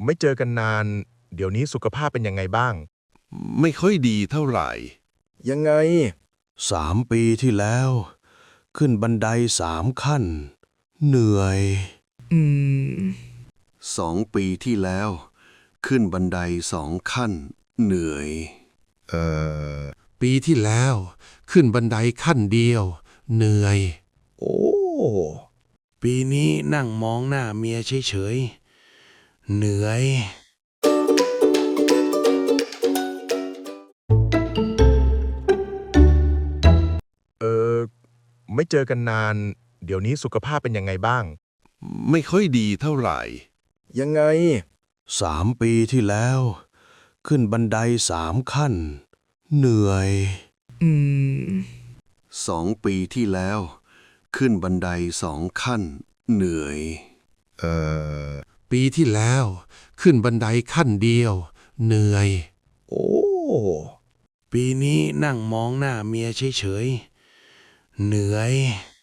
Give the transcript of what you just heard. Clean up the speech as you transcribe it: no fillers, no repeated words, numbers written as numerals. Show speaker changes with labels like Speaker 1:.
Speaker 1: ไม่เจอกันนาน เดี๋ยวนี้สุขภาพเป็นยังไงบ้าง
Speaker 2: ไม่ค่อยดีเท่าไหร่
Speaker 1: ยังไง
Speaker 3: 3 ปีที่แล้ว ขึ้นบันได3 ขั้น เหนื่อย
Speaker 2: 2 ปีที่แล้ว ขึ้นบันได2 ขั้น เหนื่อย
Speaker 4: ปีที่แล้ว ขึ้นบันไดขั้นเดียว เหนื่อย
Speaker 1: โอ้
Speaker 4: ปีนี้นั่งมองหน้าเมียเฉยๆ เหนื่อย
Speaker 1: ไม่เจอกันนาน เดี๋ยวนี้สุขภาพเป็นยังไงบ้าง
Speaker 2: ไม่ค่อยดีเท่าไหร่
Speaker 1: ยังไง
Speaker 3: 3 ปีที่แล้ว ขึ้นบันได3 ขั้น เหนื่อย
Speaker 2: 2 ปีที่แล้ว ขึ้นบันได2 ขั้น เหนื่อย
Speaker 4: ปีที่แล้ว ขึ้นบันไดขั้นเดียว เหนื่อย
Speaker 1: โอ้
Speaker 4: ปีนี้นั่งมองหน้าเมียเฉยๆ เหนื่อย